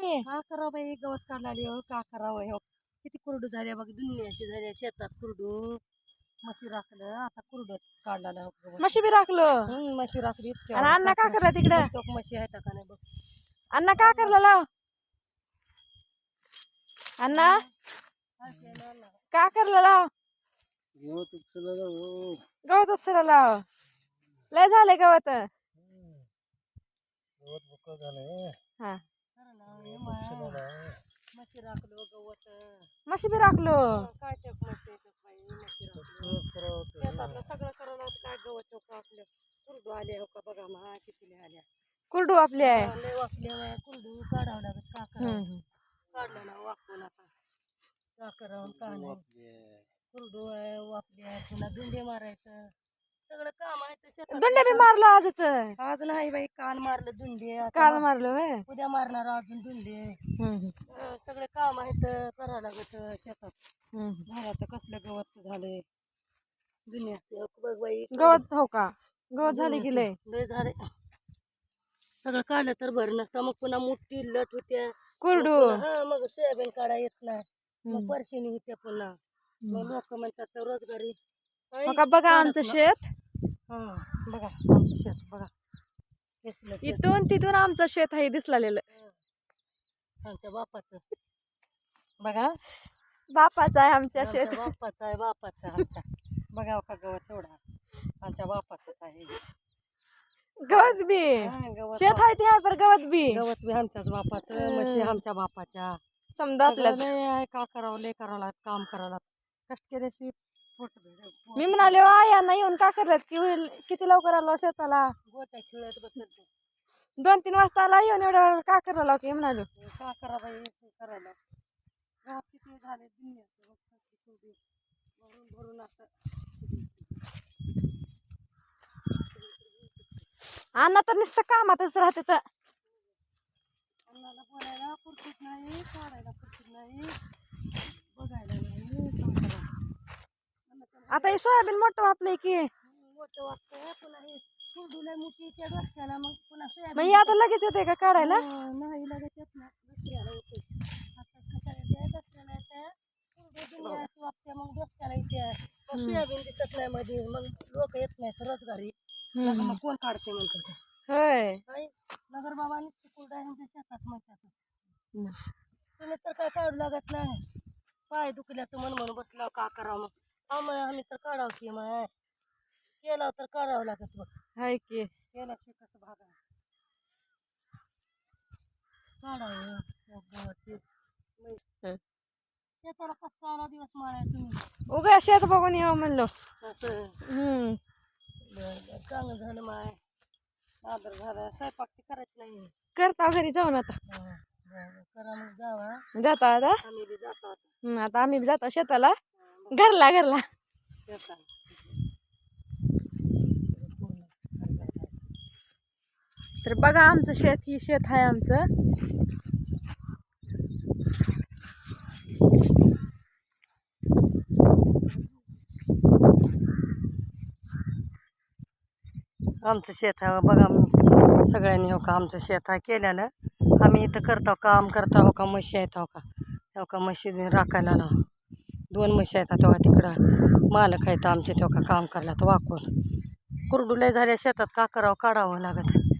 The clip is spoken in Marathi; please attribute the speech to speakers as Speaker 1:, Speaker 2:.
Speaker 1: का करावं बाई, गवत काढला हो, का करावं हो. किती कुरडू झाल्या बघ, दुनियाची झाल्या शेतात कुरडू. म्हशी राखलं आता कुरडू काढला
Speaker 2: म्हशी बी राखलो.
Speaker 1: म्हशी राखली इतक्या.
Speaker 2: आणि अण्णा का करला तिकडं?
Speaker 1: म्हशी आहेत का नाही बघ.
Speaker 2: अण्णा का करला लाव? अण्णा का करला लाव? गवत उपसायला लाव. लय झाले गवत. हा
Speaker 1: म्हशी राखलो गवत.
Speaker 2: म्हशी बी राखलो.
Speaker 1: काय ते म्हशी शेतातलं सगळं करावं लागतं. काय गवत हो का आपलं कुरडू आले हो का बघा मा किती आल्या.
Speaker 2: कुरडू आपली आहे.
Speaker 1: लय वाकल्या कुरडू काढावं लागत. का करावं काढलं ना वाकून आता का करावं का नाही. कुरडू आहे वाकल्या पुन्हा दुंडे मारायचं सगळं काम आहे.
Speaker 2: दुंडे बी मारलो आजच.
Speaker 1: आज नाही बाई काल मारलं दुंडे.
Speaker 2: काल मारलो व्हय.
Speaker 1: उद्या मारणार अजून दुंडे. सगळे काम आहेत करावं लागत शेतात. झालं कसलं गवत झालंय दुनियाचं बघ बाई.
Speaker 2: गवत हो का गवत झाले की लय
Speaker 1: झाले. सगळं काढलं तर बरं नसतं मग पुन्हा मोठी लट होत्या
Speaker 2: कुरडू.
Speaker 1: मग सोयाबीन काढा येत नाही. मग परशिनी होत्या पुन्हा. मग लोक म्हणतात तर रोजगारी.
Speaker 2: बघा आमचं शेत.
Speaker 1: बघा आमचं शेत बघा.
Speaker 2: इथून तिथून आमचं शेत आहे दिसलेलं.
Speaker 1: आमच्या बापाचं बघा.
Speaker 2: बापाचं आहे आमच्या शेत.
Speaker 1: बापाचं आहे बापाचं आमच्या. बघा का गवत एवढा आमच्या बापाचंच आहे.
Speaker 2: गवत बी शेत आहे ते पर गवत बी
Speaker 1: आमच्याच बापाचं. म्हशी आमच्या बापाच्या.
Speaker 2: समजा आपल्याच.
Speaker 1: का करावं लय करावं लागत काम करावं लागत. कष्ट केल्याशी
Speaker 2: मी म्हणाले यांना येऊन का करत की होईल किती लवकर आलो शेताला.
Speaker 1: गोट्या खेळत बसत
Speaker 2: 2-3 वाजता आला येऊन एवढ्या वेळ का करायला की म्हणालो.
Speaker 1: का करा बाई करायला. गवत किती झाले भरून असं.
Speaker 2: अण्णा तर नुसतं कामातच राहते तर.
Speaker 1: अन्नाला बोलायला पुरतीच नाही काढायला पुरतीच नाही बघायला नाही.
Speaker 2: आता हे सोयाबीन मोठं वापलंय की
Speaker 1: मोठं वाटतंय पुन्हा हे कुरडूला मोठी त्या डोसक्याला मग पुन्हा सोयाबीन.
Speaker 2: मग आता लगेच येते का काढायला?
Speaker 1: नाही लगेच येत ना दुसऱ्याला येते. आता डोसक्याला येते कुरडू दुनियाची वापते मग डोसक्याला येते. मग सोयाबीन दिसत नाही मध्ये मग लोक येत नाहीत रोजगारी. मग कोण काढते म्हणतात.
Speaker 2: होय
Speaker 1: नगर बाबांनी कुरडा ह्यांच्या शेतात म्हणतात. तुम्ही तर काय काढू लागत नाही. पाय दुखल्या तर म्हणून बसला का करावं मग. आम्ही तर काढावं की मग केला तर काढावं लागत बघ.
Speaker 2: हाय की
Speaker 1: केल्याशी कसं भागा काढावं शेताला कसं 12 दिवस मारायचं तुम्ही.
Speaker 2: उगा शेत बघून येऊ म्हणलो.
Speaker 1: असं चांगलं झालं माय. आदर झाला स्वयंपाक ते करायचं नाही.
Speaker 2: करता घरी जाऊन आता.
Speaker 1: करा मग जावा.
Speaker 2: जाता आता
Speaker 1: आम्ही बी जातो
Speaker 2: आता आम्ही बी जातो शेताला. घरला
Speaker 1: शेतात.
Speaker 2: तर बघा आमचं शेत ही शेत आहे आमचं.
Speaker 1: आमचं शेत आहे बघा. सगळ्यांनी हो का आमचं शेत आहे केल्यानं. आम्ही इथं करतो काम करतो हो का. म्हशी आहेत हो का. हो का म्हशी राखायला ना 2 म्हशी आहेत तेव्हा तिकडं मालक आहेत आमचे तेव्हा का काम करायला तर वाकून. कुरडू लय झाल्या शेतात का करावं काढावं लागत.